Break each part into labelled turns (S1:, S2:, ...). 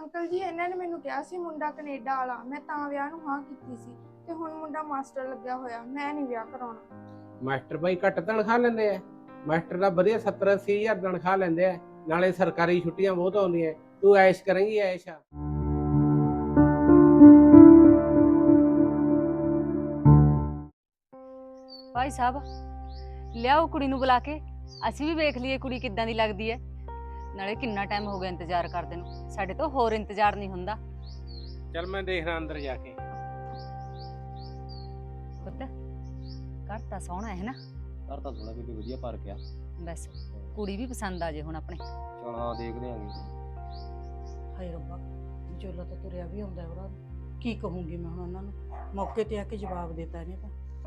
S1: Uncle ਜੀ ਇਹਨਾਂ ਨੇ ਮੈਨੂੰ ਕਿਹਾ ਸੀ ਮੁੰਡਾ ਕੈਨੇਡਾ ਵਾਲਾ, ਮੈਂ ਤਾਂ ਵਿਆਹ ਨੂੰ ਹਾਂ ਕੀਤੀ ਸੀ ਤੇ ਹੁਣ ਮੁੰਡਾ ਮਾਸਟਰ ਲੱਗਿਆ ਹੋਇਆ, ਮੈਂ ਨਹੀਂ ਵਿਆਹ ਕਰਾਉਣਾ।
S2: ਮਾਸਟਰ ਬਾਈ ਘੱਟ ਤਨਖਾਹ ਲੈਂਦੇ ਆ। ਮਾਸਟਰ ਦਾ ਵਧੀਆ 70-80 ਹਜ਼ਾਰ ਤਨਖਾਹ ਲੈਂਦੇ ਆ, ਨਾਲੇ ਸਰਕਾਰੀ ਛੁੱਟੀਆਂ ਬਹੁਤ ਆਉਂਦੀਆਂ। ਤੂੰ ਐਸ਼ ਕਰੇਂਗੀ ਐਸ਼ ਆ।
S3: ਭਾਈ ਸਾਹਿਬ ਲਿਆਓ ਕੁੜੀ ਨੂੰ ਬੁਲਾ ਕੇ, ਅਸੀਂ ਵੀ ਵੇਖ ਲਈਏ ਕੁੜੀ ਕਿੱਦਾਂ ਦੀ ਲੱਗਦੀ ਹੈ। ਨਾਲੇ ਕਿੰਨਾ ਟਾਈਮ ਹੋ ਗਿਆ ਇੰਤਜ਼ਾਰ ਕਰਦੇ ਨੂੰ, ਸਾਡੇ ਤੋਂ ਹੋਰ ਇੰਤਜ਼ਾਰ ਨਹੀਂ ਹੁੰਦਾ।
S2: ਚੱਲ ਮੈਂ ਦੇਖਦਾ ਅੰਦਰ ਜਾ ਕੇ।
S3: ਪੁੱਤ ਘਰ ਤਾਂ ਸੋਹਣਾ ਹੈ ਨਾ?
S4: ਘਰ ਤਾਂ ਥੋੜਾ ਬੀਬੀ ਵਧੀਆ ਪਾਰਕ ਆ।
S3: ਬਸ ਕੁੜੀ ਵੀ ਪਸੰਦ ਆ ਜੇ ਹੁਣ ਆਪਣੇ।
S4: ਚਲ ਹਾਂ ਦੇਖਦੇ ਆਂਗੇ।
S5: ਹਾਏ ਰੱਬਾ, ਵਿਚੋਲਾ ਤਾਂ ਤੁਰਿਆ ਵੀ ਆਉਂਦਾ ਉਹਦਾ, ਕੀ ਕਹੂੰਗੀ ਮੈਂ ਹੁਣ ਉਹਨਾਂ ਨੂੰ? ਮੌਕੇ ਤੇ ਆ ਕੇ ਜਵਾਬ ਦਿੱਤਾ ਇਹਨੇ ਤਾਂ।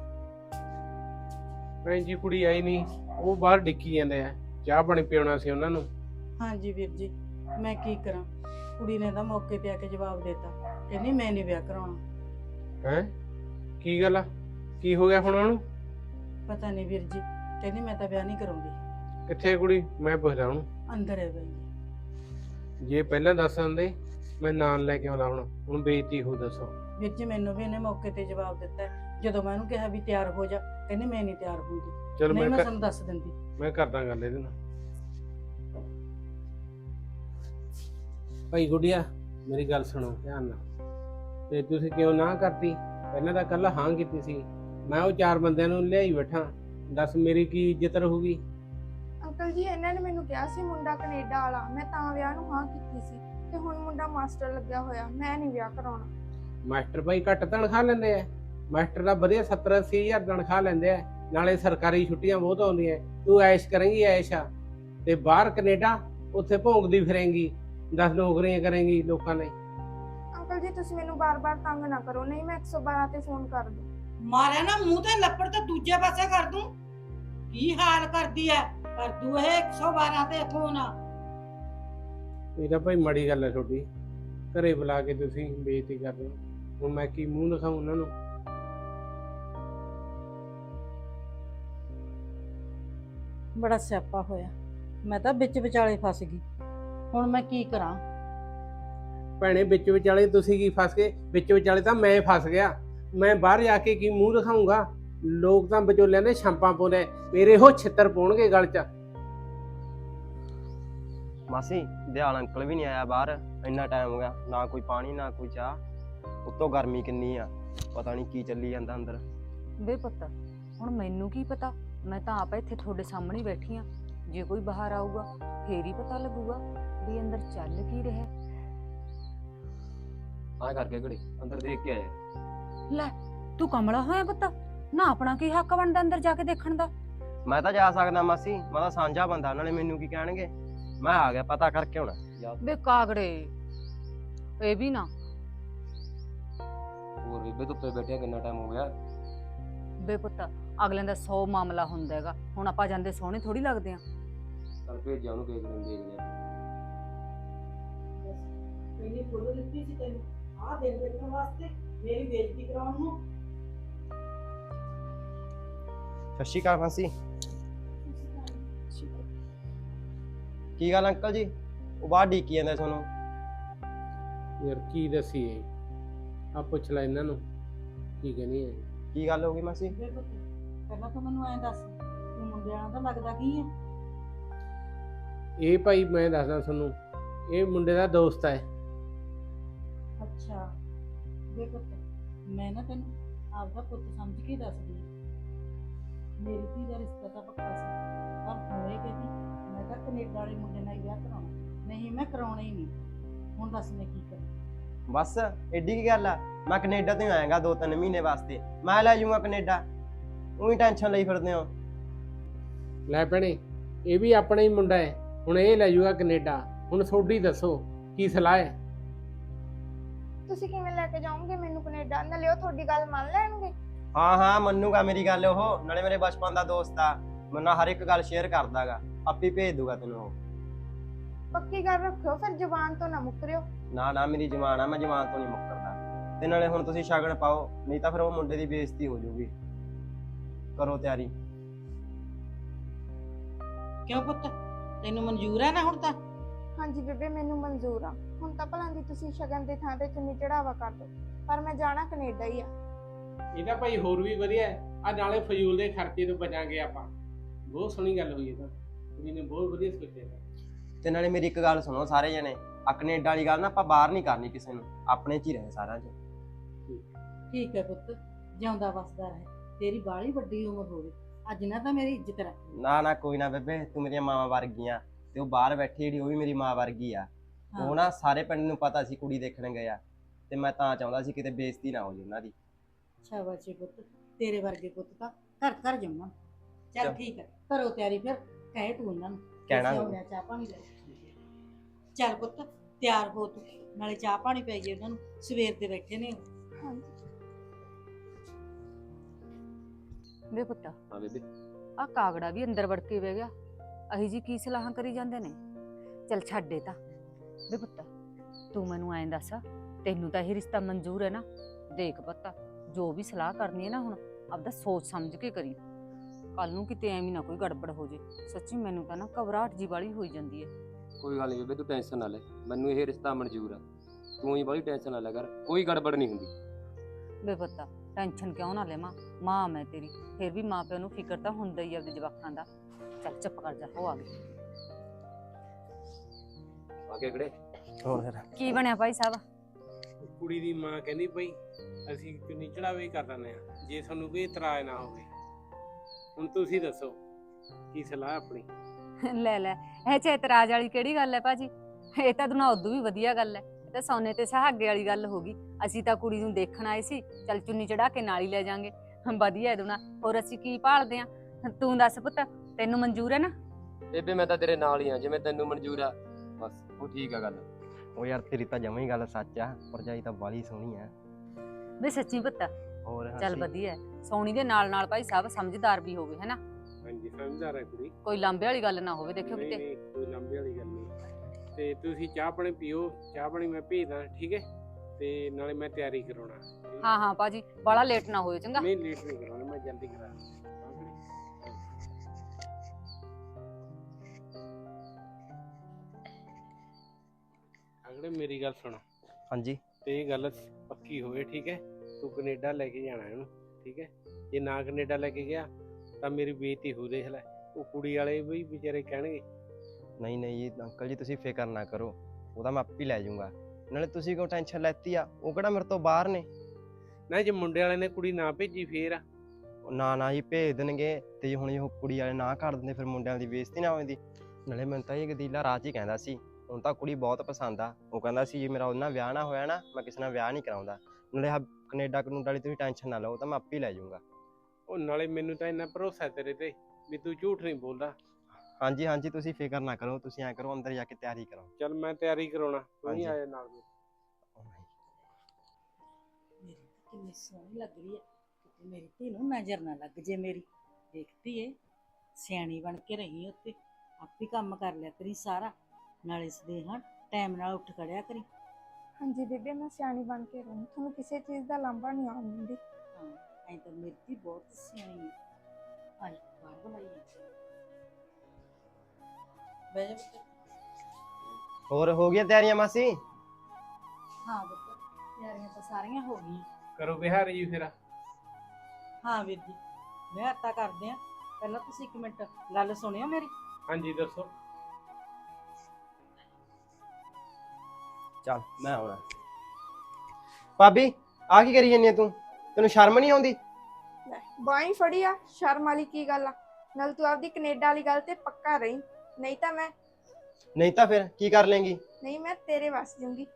S2: ਭੈਣ ਜੀ ਕੁੜੀ ਆਈ ਨਹੀਂ, ਉਹ ਬਾਹਰ ਡਿੱਕੀ ਜਾਂਦੇ ਆ, ਚਾਹ ਪਾਣੀ ਪਿਉਣਾ ਸੀ ਉਹਨਾਂ ਨੂੰ।
S5: ਹਾਂਜੀ ਵੀਰ ਜੀ, ਮੈਂ ਕੀ ਕਰਾਂ? ਕੁੜੀ ਨੇ ਤਾਂ ਮੌਕੇ ਤੇ ਆ ਕੇ ਜਵਾਬ ਦਿੱਤਾ, ਕਹਿੰਦੀ ਮੈਂ ਨਹੀਂ ਵਿਆਹ ਕਰਾਉਣਾ।
S2: ਹੈ ਕੀ ਗੱਲ ਆ? ਕੀ ਹੋ ਗਿਆ ਹੁਣ ਉਹਨੂੰ?
S5: ਪਤਾ ਨਹੀਂ ਵੀਰ ਜੀ, ਕਹਿੰਦੀ ਮੈਂ ਤਾਂ ਵਿਆਹ ਨਹੀਂ ਕਰਾਉਂਦੀ।
S2: ਕਿੱਥੇ ਕੁੜੀ? ਮੈਂ ਪੁੱਛਦਾ ਉਹਨੂੰ।
S5: ਅੰਦਰ ਹੈ ਬਈ।
S2: ਜੇ ਪਹਿਲਾਂ ਦੱਸ ਦਿੰਦੇ ਮੈਂ ਨਾਂ ਲੈ ਕੇ ਆਉਂਦਾ। ਹੁਣ ਬੇਇੱਜ਼ਤੀ ਹੋ। ਦੱਸੋ
S5: ਵੀਰ ਜੀ, ਮੈਨੂੰ ਵੀ ਇਹਨੇ ਮੌਕੇ ਤੇ ਜਵਾਬ ਦਿੱਤਾ। ਜਦੋਂ ਮੈਂ ਉਹਨੂੰ ਕਿਹਾ ਵੀ ਤਿਆਰ ਹੋ ਜਾ, ਕਹਿੰਦੀ ਮੈਂ ਨਹੀਂ ਤਿਆਰ ਹੁੰਦੀ।
S2: ਚਲ
S5: ਨਹੀਂ ਮੈਂ ਤੁਹਾਨੂੰ ਦੱਸ ਦਿੰਦੀ।
S2: ਮੈਂ ਕਰਦਾ ਗੱਲ ਇਹਦੇ ਨਾਲ। ਭਾਈ ਗੁੱਡੀਆ ਮੇਰੀ ਗੱਲ ਸੁਣੋ ਧਿਆਨ ਨਾਲ। ਤੇ ਤੁਸੀਂ ਕਿਉਂ ਨਾ ਕਰਤੀ? ਪਹਿਲਾਂ ਤਾਂ ਕੱਲ ਹਾਂ ਕੀਤੀ ਸੀ। ਮੈਂ ਉਹ 4 ਬੰਦਿਆਂ ਨੂੰ ਲਿਆਈ ਬੈਠਾ, ਦੱਸ ਮੇਰੀ ਕੀ ਇੱਜ਼ਤ ਰਹੂਗੀ?
S1: ਅੰਕਲ ਜੀ ਇਹਨਾਂ ਨੇ ਮੈਨੂੰ ਕਿਹਾ ਸੀ ਮੁੰਡਾ ਕੈਨੇਡਾ ਵਾਲਾ, ਮੈਂ ਤਾਂ ਵਿਆਹ ਨੂੰ ਹਾਂ ਕੀਤੀ ਸੀ ਤੇ ਹੁਣ ਮੁੰਡਾ ਮਾਸਟਰ ਲੱਗਿਆ ਹੋਇਆ, ਮੈਂ ਨਹੀਂ ਵਿਆਹ ਕਰਾਉਣਾ।
S2: ਮਾਸਟਰ ਭਾਈ ਘੱਟ ਤਨਖਾਹ ਲੈਂਦੇ ਆ। ਮਾਸਟਰ ਦਾ ਵਧੀਆ 70-80 ਹਜ਼ਾਰ ਤਨਖਾਹ ਲੈਂਦੇ ਆ, ਨਾਲੇ ਸਰਕਾਰੀ ਛੁੱਟੀਆਂ ਬਹੁਤ ਆਉਂਦੀਆਂ। ਤੂੰ ਐਸ਼ ਕਰੇਂਗੀ ਐਸ਼ ਆ। ਤੇ ਬਾਹਰ ਕੈਨੇਡਾ ਉੱਥੇ ਭੌਂਕਦੀ ਫਿਰੇਂਗੀ, 10 ਨੌਕਰੀਆਂ ਕਰੇਂਗੀ ਲੋਕਾਂ ਲਈ।
S1: ਅੰਕਲ ਜੀ ਤੁਸੀਂ ਮੈਨੂੰ ਬਾਰ-ਬਾਰ ਤੰਗ ਨਾ ਕਰੋ, ਨਹੀਂ ਮੈਂ 112 ਤੇ ਫੋਨ ਕਰ ਦੂੰ।
S5: ਮਾਰਿਆ ਨਾ ਮੂੰਹ ਤੇ ਲੱਪੜ ਤੇ ਦੂਜੇ ਪਾਸੇ ਕਰ ਦੂੰ। ਕੀ ਹਾਲ ਕਰਦੀ ਐ? ਕਰ ਦੂ ਇਹ 112 ਤੇ ਫੋਨ।
S2: ਇਹ ਤਾਂ ਭਾਈ ਮਾੜੀ ਗੱਲ ਹੈ ਤੁਹਾਡੀ, ਘਰੇ ਬੁਲਾ ਕੇ ਤੁਸੀਂ ਬੇਇੱਜ਼ਤੀ ਕਰ ਰਹੇ ਹੋ। ਹੁਣ ਮੈਂ ਕੀ ਮੂੰਹ ਦਿਖਾਉਂ ਉਹਨਾਂ ਨੂੰ?
S5: ਬੜਾ ਸਿਆਪਾ ਹੋਇਆ, ਮੈਂ ਤਾਂ ਵਿੱਚ ਵਿਚਾਲੇ ਫਸ ਗਈ। ਹੁਣ ਮੈਂ ਕੀ ਕਰਾਂ?
S2: ਭੈਣੇ ਵਿੱਚ ਵਿਚਾਲੇ ਤੁਸੀਂ ਕੀ ਫਸ ਗਏ? ਵਿੱਚ ਵਿਚਾਲੇ ਤਾਂ ਮੈਂ ਫਸ ਗਿਆ। ਮੈਂ ਬਾਹਰ ਜਾ ਕੇ ਕੀ ਮੂੰਹ ਦਿਖਾਊਂਗਾ? ਲੋਕ ਤਾਂ ਵਿਚੋਲਿਆਂ ਨੇ ਛਾਂਪਾਂ ਪਾਉਂਦੇ, ਮੇਰੇ ਉਹ ਛਿੱਤਰ ਪਾਉਣਗੇ ਗਲ 'ਚ।
S4: ਮਾਸੀ ਦਿਆਲ ਅੰਕਲ ਵੀ ਨਹੀਂ ਆਇਆ ਬਾਹਰ, ਇੰਨਾ ਟਾਈਮ ਹੋ ਗਿਆ, ਨਾ ਕੋਈ ਪਾਣੀ ਨਾ ਕੋਈ ਚਾਹ, ਉੱਤੋਂ ਗਰਮੀ ਕਿੰਨੀ ਆ, ਪਤਾ ਨਹੀਂ ਕੀ ਚੱਲੀ ਜਾਂਦਾ ਅੰਦਰ।
S3: ਵੇ ਪੁੱਤ ਹੁਣ ਮੈਨੂੰ ਕੀ ਪਤਾ, ਮੈਂ ਤਾਂ ਆਪ ਇੱਥੇ ਤੁਹਾਡੇ ਸਾਹਮਣੇ ਬੈਠੀ ਆ। ਜੇ ਕੋਈ ਬਾਹਰ ਆਊਗਾ ਫੇਰ ਹੀ ਪਤਾ ਲੱਗੂਗਾ ਵੀ ਅੰਦਰ ਚੱਲ ਕੀ ਰਿਹਾ।
S4: ਆ ਕਰਕੇ ਘੜੀ ਅੰਦਰ ਦੇਖ ਕੇ ਆਇਆ।
S3: ਲੈ ਤੂੰ ਕਮਲਾ ਹੋਇਆ ਪੁੱਤ, ਨਾ ਆਪਣਾ ਕੀ ਹੱਕ ਬਣਦਾ ਅੰਦਰ ਜਾ ਕੇ ਦੇਖਣ ਦਾ?
S4: ਮੈਂ ਤਾਂ ਜਾ ਸਕਦਾ ਮਾਸੀ, ਮੈਂ ਤਾਂ ਸਾਂਝਾ ਬੰਦਾ, ਨਾਲੇ ਮੈਨੂੰ ਕੀ ਕਹਿਣਗੇ? ਮੈਂ ਆ ਗਿਆ ਪਤਾ ਕਰਕੇ ਹੁਣ।
S3: ਵੇ ਕਾਗੜੇ ਇਹ ਵੀ ਨਾ।
S4: ਹੋਰ ਬੇਬੇ ਧੁੱਪੇ ਬੈਠਿਆ ਕਿੰਨਾ ਟਾਈਮ ਹੋ ਗਿਆ।
S3: ਵੇ ਪੁੱਤ ਅਗਲਿਆਂ ਦਾ 100 ਮਾਮਲਾ ਹੁੰਦਾ ਹੈਗਾ, ਹੁਣ ਆਪਾਂ ਜਾਂਦੇ ਸੋਹਣੇ ਥੋੜੀ ਲੱਗਦੇ ਆ।
S4: ਚੱਲ ਭੇਜਿਆ ਉਹਨੂੰ ਦੇਖ ਲੈਂਦੇ ਆ।
S5: ਮੈਨੇ ਫੋਟੋ ਦਿੱਤੀ ਸੀ ਤੈਨੂੰ ਆਹ ਦਿਨ ਦੇਖਣ ਵਾਸਤੇ, ਮੇਰੀ ਬੇਇੱਜ਼ਤੀ ਕਰਾਉਣ ਨੂੰ।
S4: ਸਤਿ ਸ਼੍ਰੀ ਅਕਾਲ ਮਾਸੀ। ਕੀ ਗੱਲ ਅੰਕਲ ਜੀ, ਉਹ ਬਾਹਰ ਡੀਕੀ ਜਾਂਦੇ ਤੁਹਾਨੂੰ?
S2: ਯਾਰ ਕੀ ਦੱਸੀਏ, ਆ ਪੁੱਛ ਲੈ ਇਹਨਾਂ ਨੂੰ ਕੀ ਕਹਿੰਦੀ ਹੈ।
S4: ਕੀ ਗੱਲ ਹੋ ਗਈ ਮਾਸੀ?
S5: ਪਹਿਲਾਂ ਤੂੰ ਮੈਨੂੰ ਐਂ ਦੱਸ, ਤੂੰ ਮੁੰਡਿਆਂ ਦਾ ਲੱਗਦਾ ਕੀ ਹੈ?
S2: ਇਹ ਭਾਈ ਮੈਂ ਦੱਸਦਾ ਤੁਹਾਨੂੰ, ਇਹ ਮੁੰਡੇ ਦਾ ਦੋਸਤ ਹੈ।
S5: ਅੱਛਾ ਵੇ ਪੁੱਤ, ਮੈਂ ਨਾ ਤੈਨੂੰ ਆਪਦਾ ਪੁੱਤ ਸਮਝ ਕੇ ਦੱਸਦੀ ਹਾਂ। ਮੇਰੀ ਧੀ ਦਾ ਰਿਸ਼ਤਾ ਤਾਂ ਪੱਕਾ ਸੀ, ਪਰ ਹੋਏ ਕਹਿੰਦੀ ਮੈਂ ਤਾਂ ਕੈਨੇਡਾ ਵਾਲੇ ਮੁੰਡੇ ਨਾਲ ਹੀ ਵਿਆਹ ਕਰਾਉਣਾ, ਨਹੀਂ ਮੈਂ ਕਰਾਉਣਾ ਹੀ ਨਹੀਂ। ਹੁਣ ਦੱਸ ਮੈਂ ਕੀ ਕਰਾਂ?
S4: ਬਸ ਐਡੀ ਕੀ ਗੱਲ ਆ? ਮੈਂ ਕੈਨੇਡਾ ਤੋਂ ਆਇਆਗਾ 2-3 ਮਹੀਨੇ ਵਾਸਤੇ, ਮੈਂ ਲੈ ਜਾਊਂਗਾ ਕੈਨੇਡਾ। ਉਹੀ ਟੈਨਸ਼ਨ ਲਈ ਫਿਰਦੇ ਹੋ।
S2: ਲੈ ਭੈਣੇ ਇਹ ਵੀ ਆਪਣਾ ਹੀ ਮੁੰਡਾ ਹੈ, ਹੁਣ ਇਹ ਲੈ ਜਾਊਗਾ ਕੈਨੇਡਾ। ਹੁਣ ਤੁਹਾਡੀ ਦੱਸੋ ਕੀ ਸਲਾਹ ਹੈ?
S1: ਤੁਸੀਂ ਕਿਵੇਂ ਲੈ ਕੇ ਜਾਓਗੇ ਮੈਨੂੰ ਕੈਨੇਡਾ? ਨਾਲੇ ਉਹ ਤੁਹਾਡੀ ਗੱਲ ਮੰਨ ਲੈਣਗੇ?
S4: ਹਾਂ ਹਾਂ ਮੰਨੂਗਾ ਮੇਰੀ ਗੱਲ, ਉਹ ਨਾਲੇ ਮੇਰੇ ਬਚਪਨ ਦਾ ਦੋਸਤ ਆ, ਮੈਨੂੰ ਹਰ ਇੱਕ ਗੱਲ ਸ਼ੇਅਰ ਕਰਦਾਗਾ, ਆਪੇ ਭੇਜ ਦੂਗਾ ਤੈਨੂੰ ਉਹ।
S1: ਪੱਕੀ ਗੱਲ ਰੱਖਿਓ, ਫਿਰ ਜ਼ੁਬਾਨ ਤੋਂ ਨਾ ਮੁੱਕਰਿਓ।
S4: ਨਾ ਨਾ ਮੇਰੀ ਜ਼ਬਾਨ ਆ, ਮੈਂ ਜ਼ਬਾਨ ਤੋਂ ਨਹੀਂ ਮੁੱਕਰਦਾ। ਤੇ ਨਾਲੇ ਹੁਣ ਤੁਸੀਂ ਸ਼ਗਨ ਪਾਓ, ਨਹੀਂ ਤਾਂ ਫਿਰ ਉਹ ਮੁੰਡੇ ਦੀ ਬੇਇੱਜ਼ਤੀ ਹੋ ਜਾਊਗੀ। ਕਰੋ ਤਿਆਰੀ।
S5: ਕਿਉਂ ਪੁੱਤ, ਤੈਨੂੰ ਮਨਜ਼ੂਰ ਹੈ ਨਾ ਹੁਣ ਤਾਂ?
S1: ਹਾਂਜੀ ਬੇਬੇ ਮੈਨੂੰ ਮਨਜ਼ੂਰ ਆ। ਹੁਣ ਤਾਂ ਭਲਾਂ ਦੀ ਤੁਸੀਂ ਸ਼ਗਨ ਦੀ ਥਾਂ ਤੇ ਚੁੰਨੀ ਚੜਾਵਾ ਕਰ ਦਿਓ, ਪਰ ਮੈਂ ਜਾਣਾ ਕੈਨੇਡਾ ਹੀ ਆ।
S2: ਇਹਦਾ ਭਾਈ ਹੋਰ ਵੀ ਵਧੀਆ ਆ, ਨਾਲੇ ਫਜ਼ੂਲ ਦੇ ਖਰਚੇ ਤੋਂ ਬਚਾਂਗੇ ਆਪਾਂ। ਬਹੁਤ ਸੋਹਣੀ ਗੱਲ ਹੋਈ ਇਹ ਤਾਂ, ਕੁੜੀ ਨੇ ਬਹੁਤ ਵਧੀਆ ਸੋਚਿਆ।
S4: ਤੇ ਨਾਲੇ ਮੇਰੀ ਇੱਕ ਗੱਲ ਸੁਣੋ ਸਾਰੇ ਜਣੇ, ਆ ਕੈਨੇਡਾ ਵਾਲੀ ਗੱਲ ਨਾ ਆਪਾਂ ਬਾਹਰ ਨਹੀਂ ਕਰਨੀ ਕਿਸੇ ਨੂੰ, ਆਪਣੇ 'ਚ ਹੀ ਰਹੇ ਸਾਰਿਆਂ 'ਚ।
S5: ਠੀਕ ਹੈ ਪੁੱਤ, ਜਿਉਂਦਾ ਵਸਦਾ ਰਹੇ, ਤੇਰੀ ਬਾਹਲੀ ਵੱਡੀ ਉਮਰ ਹੋਵੇ, ਅੱਜ ਨਾ ਤਾਂ ਮੇਰੀ ਇੱਜ਼ਤ ਰੱਖ।
S4: ਨਾ ਨਾ ਕੋਈ ਨਾ ਬੇਬੇ, ਤੂੰ ਮੇਰੀਆਂ ਮਾਵਾਂ ਵਰਗੀਆਂ, ਤੇ ਉਹ ਬਾਹਰ ਬੈਠੀ ਜਿਹੜੀ ਉਹ ਵੀ ਮੇਰੀ ਮਾਂ ਵਰਗੀ ਆ। ਉਹ ਨਾ ਸਾਰੇ ਪਿੰਡ ਨੂੰ ਪਤਾ ਸੀ ਕੁੜੀ ਦੇਖਣ ਗਏ ਆ, ਤੇ ਮੈਂ ਤਾਂ ਚਾਹੁੰਦਾ ਸੀ ਕਿਤੇ ਬੇਇੱਜ਼ਤੀ ਨਾ ਹੋ ਜੇ ਉਹਨਾਂ ਦੀ।
S5: ਸ਼ਾਬਾਸ਼ ਏ ਪੁੱਤ, ਤੇਰੇ ਵਰਗੇ ਪੁੱਤ ਤਾਂ ਘਰ ਘਰ ਜੰਮਣ। ਚੱਲ ਠੀਕ ਹੈ, ਕਰੋ ਤਿਆਰੀ ਫਿਰ, ਕਹੇ ਤੂੰ ਉਹਨਾਂ ਨੂੰ
S4: ਕਹਿਣਾ
S5: ਅਸੀਂ ਆਉਂਦੇ ਹਾਂ, ਚਾਹ ਪਾਣੀ ਲੈ। ਚੱਲ ਪੁੱਤ ਤਿਆਰ ਹੋ ਤੂੰ, ਨਾਲੇ ਚਾਹ ਪਾਣੀ ਪੈ ਜੇ ਉਹਨਾਂ ਨੂੰ, ਸਵੇਰ ਦੇ ਬੈਠੇ ਨੇ ਉਹ।
S1: ਹਾਂਜੀ
S3: ਵੇ ਪੁੱਤ,
S6: ਹਾਂ ਬੇਬੇ।
S3: ਆ ਕਾਗੜਾ ਵੀ ਅੰਦਰ ਵੜ ਕੇ ਬਹਿ ਗਿਆ, ਅਹੀ ਜੀ ਕੀ ਸਲਾਹਾਂ ਕਰੀ ਜਾਂਦੇ ਨੇ। ਚੱਲ ਛੱਡੇ ਤਾਂ। ਵੇ ਪੁੱਤ ਤੂੰ ਮੈਨੂੰ ਐਂ ਦੱਸ, ਤੈਨੂੰ ਤਾਂ ਇਹ ਰਿਸ਼ਤਾ ਮਨਜ਼ੂਰ ਹੈ ਨਾ? ਦੇਖ ਪੁੱਤ, ਜੋ ਵੀ ਸਲਾਹ ਕਰਨੀ ਹੈ ਨਾ ਹੁਣ ਆਪਦਾ ਸੋਚ ਸਮਝ ਕੇ ਕਰੀ, ਕੱਲ ਨੂੰ ਕਿਤੇ ਐਵੇਂ ਨਾ ਕੋਈ ਗੜਬੜ ਹੋ ਜੇ। ਸੱਚੀ ਮੈਨੂੰ ਤਾਂ ਨਾ ਘਬਰਾਹਟ ਜੀ ਵਾਲੀ ਹੋਈ ਜਾਂਦੀ ਹੈ।
S6: ਕੋਈ ਗੱਲ ਨਹੀਂ ਬੇਬੇ, ਤੂੰ ਟੈਨਸ਼ਨ ਨਾ ਲੈ, ਮੈਨੂੰ ਇਹ ਰਿਸ਼ਤਾ ਮਨਜ਼ੂਰ ਆ। ਤੂੰ ਹੀ ਬੜੀ ਟੈਨਸ਼ਨ ਨਾ ਲੈ ਕਰ, ਕੋਈ ਗੜਬੜ ਨਹੀਂ ਹੁੰਦੀ।
S3: ਵੇ ਪੁੱਤ ਟੈਨਸ਼ਨ ਕਿਉਂ ਨਾ ਲੈਵਾਂ, ਮਾਂ ਮੈਂ ਤੇਰੀ, ਫਿਰ ਵੀ ਮਾਂ ਪਿਓ ਨੂੰ ਫਿਕਰ ਤਾਂ ਹੁੰਦਾ ਹੀ ਆ ਆਪਦੇ ਜਵਾਕਾਂ ਦਾ। ਚੱਲ ਚੁੱਪ ਕਰ ਜਾ, ਉਹ ਆ ਗਈ।
S6: ਆ ਕੇ ਖੜੇ।
S4: ਹੋਰ ਫਿਰ
S3: ਕੀ ਬਣਿਆ ਭਾਈ ਸਾਹਿਬ?
S2: ਕੁੜੀ ਦੀ ਮਾਂ ਕਹਿੰਦੀ ਭਾਈ ਅਸੀਂ ਚੁੰਨੀ ਚੜਾਵੇ ਹੀ ਕਰ ਦਿੰਦੇ ਆ, ਜੇ ਤੁਹਾਨੂੰ ਕੋਈ ਇਤਰਾਜ਼ ਨਾ ਹੋਵੇ। ਹੁਣ ਤੁਸੀਂ ਦੱਸੋ ਕੀ ਸਲਾਹ ਆਪਣੀ?
S3: ਲੈ ਲੈ, ਇਹ ਚ ਇਤਰਾਜ਼ ਵਾਲੀ ਕਿਹੜੀ ਗੱਲ ਹੈ ਭਾਜੀ? ਇਹ ਤਾਂ ਦੁਨਾ ਉਦੋਂ ਵੀ ਵਧੀਆ ਗੱਲ ਹੈ, ਇਹ ਤਾਂ ਸੋਨੇ ਤੇ ਸੁਹਾਗੇ ਵਾਲੀ ਗੱਲ ਹੋ ਗਈ। ਅਸੀਂ ਤਾਂ ਕੁੜੀ ਨੂੰ ਦੇਖਣ ਆਏ ਸੀ, ਚੱਲ ਚੁੰਨੀ ਚੜਾ ਕੇ ਨਾਲ ਹੀ ਲੈ ਜਾਾਂਗੇ, ਵਧੀਆ ਦੁਨਾ। ਹੋਰ ਅਸੀਂ ਕੀ ਭਾਲਦੇ ਆ? ਤੂੰ ਦੱਸ ਪੁੱਤ, ਤੈਨੂੰ ਮਨਜ਼ੂਰ ਹੈ ਨਾ?
S6: ਬੇਬੇ ਮੈਂ ਤਾਂ ਤੇਰੇ ਨਾਲ ਹੀ ਆ, ਜਿਵੇਂ ਤੈਨੂੰ ਮਨਜ਼ੂਰ ਆ ਬਸ ਉਹ ਠੀਕ ਆ ਗੱਲ।
S4: ਉਹ ਯਾਰ ਤੇਰੀ ਤਾਂ ਜਮਾਂ ਹੀ ਗੱਲ ਸੱਚ ਆ, ਭਰਜਾਈ ਤਾਂ ਬਾਲੀ ਸੋਹਣੀ ਆ।
S3: ਵੇ ਸੱਚੀ ਪੁੱਤ?
S4: ਹੋਰ
S3: ਚੱਲ
S4: ਹੱਸੀ।
S3: ਵਧੀਆ, ਸੋਹਣੀ ਦੇ ਨਾਲ ਨਾਲ ਭਾਈ ਸਾਹਿਬ ਸਮਝਦਾਰ ਵੀ ਹੋਵੇ, ਹੈ ਨਾ?
S2: ਹਾਂਜੀ ਸਮਝਦਾਰ ਹੈ ਕੁੜੀ,
S3: ਕੋਈ ਲਾਂਬੇ ਵਾਲੀ ਗੱਲ ਨਾ ਹੋਵੇ, ਦੇਖਿਓ
S2: ਨਹੀਂ
S3: ਕਿਤੇ।
S2: ਨਹੀਂ ਕੋਈ ਲੰਬੇ ਵਾਲੀ ਗੱਲ ਨਹੀਂ। ਤੇ ਤੁਸੀਂ ਚਾਹ ਪਾਣੀ ਪੀਓ, ਚਾਹ ਪਾਣੀ ਮੈਂ ਭੇਜਦਾ, ਠੀਕ ਹੈ? ਤੇ ਨਾਲੇ ਮੈਂ ਤਿਆਰੀ ਕਰਾਉਣਾ।
S3: ਹਾਂ ਹਾਂ ਭਾਜੀ, ਬੜਾ ਲੇਟ ਨਾ ਹੋਇਓ ਚੰਗਾ।
S2: ਨਹੀਂ ਲੇਟ ਨਹੀਂ ਕਰਾਉਣਾ, ਮੈਂ ਜਲਦੀ ਕਰਾ। ਅਗਲੇ ਮੇਰੀ ਗੱਲ ਸੁਣ,
S4: ਹਾਂਜੀ
S2: ਤੇ ਇਹ ਗੱਲ ਪੱਕੀ ਹੋਵੇ, ਠੀਕ ਹੈ? ਤੂੰ ਕੈਨੇਡਾ ਲੈ ਕੇ ਜਾਣਾ ਇਹਨੂੰ, ਠੀਕ ਹੈ? ਜੇ ਨਾ ਕੈਨੇਡਾ ਲੈ ਕੇ ਗਿਆ ਤਾਂ ਮੇਰੀ ਬੇਇੱਜ਼ਤੀ ਹੋ, ਦੇਖ ਲੈ। ਉਹ ਕੁੜੀ ਵਾਲੇ ਵੀ ਵਿਚਾਰੇ ਕਹਿਣਗੇ।
S4: ਨਹੀਂ ਨਹੀਂ ਜੀ ਅੰਕਲ ਜੀ, ਤੁਸੀਂ ਫਿਕਰ ਨਾ ਕਰੋ, ਉਹਦਾ ਮੈਂ ਆਪੇ ਲੈ ਜਾਊਂਗਾ। ਨਾਲੇ ਤੁਸੀਂ ਕਿਉਂ ਟੈਨਸ਼ਨ ਲੈਤੀ ਆ, ਉਹ ਕਿਹੜਾ ਮੇਰੇ ਤੋਂ ਬਾਹਰ ਨੇ।
S2: ਨਾ ਜੇ ਮੁੰਡੇ ਵਾਲੇ ਨੇ ਕੁੜੀ ਨਾ ਭੇਜੀ ਫੇਰ ਆ?
S4: ਨਾ ਨਾ ਜੀ ਭੇਜ ਦੇਣਗੇ, ਤੇ ਜੇ ਹੁਣ ਉਹ ਕੁੜੀ ਵਾਲੇ ਨਾ ਕਰ ਦਿੰਦੇ ਫਿਰ ਮੁੰਡਿਆਂ ਦੀ ਬੇਇੱਜ਼ਤੀ ਨਾ ਹੋ ਜਾਂਦੀ। ਨਾਲੇ ਮੈਨੂੰ ਤਾਂ ਇਹ ਗਦੀਲਾ ਰਾਹ 'ਚ ਹੀ ਕਹਿੰਦਾ ਸੀ, ਹੁਣ ਤਾਂ ਕੁੜੀ ਬਹੁਤ ਪਸੰਦ ਆ। ਉਹ ਕਹਿੰਦਾ ਸੀ ਜੇ ਮੇਰਾ ਉਹਨਾਂ ਵਿਆਹ ਨਾ ਹੋਇਆ ਨਾ, ਮੈਂ ਕਿਸੇ ਨਾਲ ਵਿਆਹ ਨਹੀਂ ਕਰਾਉਂਦਾ। ਨਾਲੇ ਕੈਨੇਡਾ ਕਨੂਡਾ ਵਾਲੀ ਤੁਸੀਂ ਟੈਨਸ਼ਨ ਨਾ ਲਓ, ਤਾਂ ਮੈਂ ਆਪੇ ਲੈ ਜਾਊਂਗਾ।
S2: ਉਹ ਨਾਲੇ ਮੈਨੂੰ ਤਾਂ ਇੰਨਾ ਭਰੋਸਾ ਤੇਰੇ ਤੇ ਵੀ ਤੂੰ ਝੂਠ ਨਹੀਂ ਬੋਲਦਾ।
S4: ਹਾਂਜੀ ਹਾਂਜੀ ਤੁਸੀਂ ਫਿਕਰ ਨਾ ਕਰੋ, ਤੁਸੀਂ ਐਂ ਕਰੋ ਅੰਦਰ ਜਾ ਕੇ ਤਿਆਰੀ ਕਰੋ।
S2: ਚੱਲ ਮੈਂ ਤਿਆਰੀ ਕਰਾਉਣਾ, ਤੂੰ ਹੀ
S4: ਹਾਂਜੀ।
S2: ਆਇਆ ਨਾਲ।
S5: ਮੇਰੀ ਤਾਂ ਕਿੰਨੀ ਸੋਹਣੀ ਲੱਗ ਰਹੀ ਹੈ, ਕਿਤੇ ਮੇਰੀ ਧੀ ਨੂੰ ਨਜ਼ਰ ਨਾ ਲੱਗ ਜੇ ਮੇਰੀ। ਦੇਖਤੀ ਏ, ਸਿਆਣੀ ਬਣ ਕੇ ਰਹੀ ਉੱਤੇ, ਆਪੇ ਕੰਮ ਕਰ ਲਿਆ ਕਰੀ ਸਾਰਾ, ਨਾਲੇ ਸਦੇਹਾਂ ਟਾਈਮ ਨਾਲ ਉੱਠ ਖੜਿਆ ਕਰੀ।
S1: ਹਾਂਜੀ ਬੇਬੇ, ਮੈਂ ਸਿਆਣੀ ਬਣ ਕੇ ਰਹੂੰ, ਤੁਹਾਨੂੰ ਕਿਸੇ ਚੀਜ਼ ਦਾ ਲਾਂਭਾ ਨਹੀਂ ਆਉਣ ਦਿੰਦੀ।
S5: ਹਾਂ ਐਂ ਤਾਂ ਮੇਰੀ ਧੀ ਬਹੁਤ ਸਿਆਣੀ ਹੈ। ਆਈ ਬਾਹਰ ਬੁਲਾਈ ਬਹਿ ਜਾ ਪੁੱਤ।
S4: ਹੋਰ ਹੋ ਗਈਆਂ ਤਿਆਰੀਆਂ ਮਾਸੀ?
S5: ਹਾਂ ਪੁੱਤ, ਤਿਆਰੀਆਂ ਤਾਂ ਸਾਰੀਆਂ ਹੋ ਗਈਆਂ।
S2: ਕਰੋ ਬਿਹਾਰ ਜੀ ਫਿਰ।
S5: ਹਾਂ ਵੀਰ ਜੀ, ਵਿਆਹ ਤਾਂ ਕਰਦੇ ਆ, ਪਹਿਲਾਂ ਤੁਸੀਂ 1 ਮਿੰਟ ਗੱਲ ਸੁਣਿਓ ਮੇਰੀ।
S2: ਹਾਂਜੀ ਦੱਸੋ।
S4: ਚੱਲ ਮੈਂ ਆਉਣਾ। ਭਾਬੀ ਆ ਕੀ ਕਰੀ ਜਾਂਦੀ ਤੂੰ, ਤੈਨੂੰ ਸ਼ਰਮ ਨਹੀਂ ਆਉਂਦੀ?
S1: ਲੈ ਬਾਈ ਫੜੀ ਆ, ਸ਼ਰਮ ਵਾਲੀ ਕੀ ਗੱਲ ਆ? ਨਾਲ ਤੂੰ ਆਪਦੀ ਕੈਨੇਡਾ ਵਾਲੀ ਗੱਲ ਤੇ ਪੱਕਾ ਰਹੀ, ਨਹੀਂ ਤਾਂ
S4: ਫਿਰ ਕੀ ਕਰ ਲੇਂਗੀ?
S1: ਨਹੀਂ ਮੈਂ ਤੇਰੇ ਵੱਸ ਜੂੰਗੀ।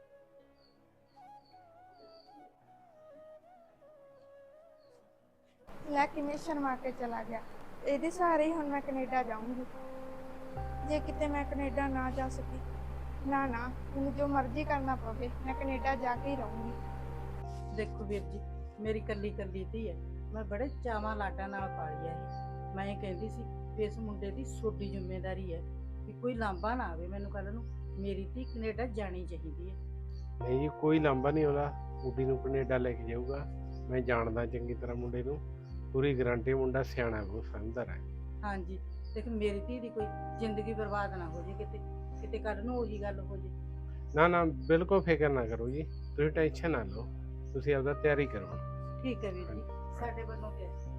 S1: ਲੈ ਕਿਵੇਂ ਸ਼ਰਮਾ ਕੇ ਚਲਾ ਗਿਆ। ਇਹਦੇ ਸਹਾਰੇ ਹੀ ਹੁਣ ਮੈਂ ਕੈਨੇਡਾ ਜਾਊਂਗੀ। ਜੇ ਕਿਤੇ ਮੈਂ ਕੈਨੇਡਾ ਨਾ ਜਾ ਸਕੀ, ਨਾ ਨਾ ਮੈਨੂੰ ਜੋ ਮਰਜ਼ੀ ਕਰਨਾ ਪਵੇ, ਮੈਂ ਕੈਨੇਡਾ ਜਾ ਕੇ ਹੀ ਰਹੂੰਗੀ।
S5: ਦੇਖੋ ਵੀਰ ਜੀ, ਮੇਰੀ ਕੱਲੀ ਧੀ ਹੈ, ਮੈਂ ਬੜੇ ਚਾਵਾਂ ਲਾਡਾਂ ਨਾਲ ਪਾਲੀ ਹੈ ਇਹ। ਮੈਂ ਇਹ ਕਹਿੰਦੀ ਸੀ ਵੀ ਇਸ ਮੁੰਡੇ ਦੀ ਛੋਟੀ ਜ਼ਿੰਮੇਵਾਰੀ ਹੈ ਵੀ ਕੋਈ ਲਾਂਭਾ ਨਾ ਆਵੇ ਮੈਨੂੰ ਕੱਲ ਨੂੰ, ਮੇਰੀ ਧੀ ਕੈਨੇਡਾ ਜਾਣੀ ਚਾਹੀਦੀ ਹੈ।
S2: ਨਹੀਂ ਜੀ ਕੋਈ ਲਾਂਭਾ ਨਹੀਂ ਆਉਂਦਾ, ਕੁੜੀ ਨੂੰ ਕੈਨੇਡਾ ਲੈ ਕੇ ਜਾਊਗਾ। ਮੈਂ ਜਾਣਦਾ ਚੰਗੀ ਤਰ੍ਹਾਂ ਮੁੰਡੇ ਨੂੰ, ਪੂਰੀ ਗਾਰੰਟੀ, ਮੁੰਡਾ ਸਿਆਣਾ ਬਹੁਤ ਸਮਝਦਾਰ ਹੈ।
S5: ਹਾਂਜੀ ਦੇਖ ਮੇਰੀ ਧੀ ਦੀ ਕੋਈ ਜ਼ਿੰਦਗੀ ਬਰਬਾਦ ਨਾ ਹੋ ਜੇ ਕਿਤੇ ਕਿਤੇ ਕੱਲ ਨੂੰ ਉਹੀ ਗੱਲ ਹੋ ਜੇ।
S2: ਨਾ ਨਾ ਬਿਲਕੁਲ ਫਿਕਰ ਨਾ ਕਰੋ ਜੀ, ਤੁਸੀਂ ਟੈਨਸ਼ਨ ਨਾ ਲਓ, ਤੁਸੀਂ ਆਪਦਾ ਤਿਆਰੀ ਕਰੋ।
S5: ਠੀਕ ਹੈ ਵੀਰ ਜੀ, ਸਾਡੇ ਵੱਲੋਂ ਕਿਹਾ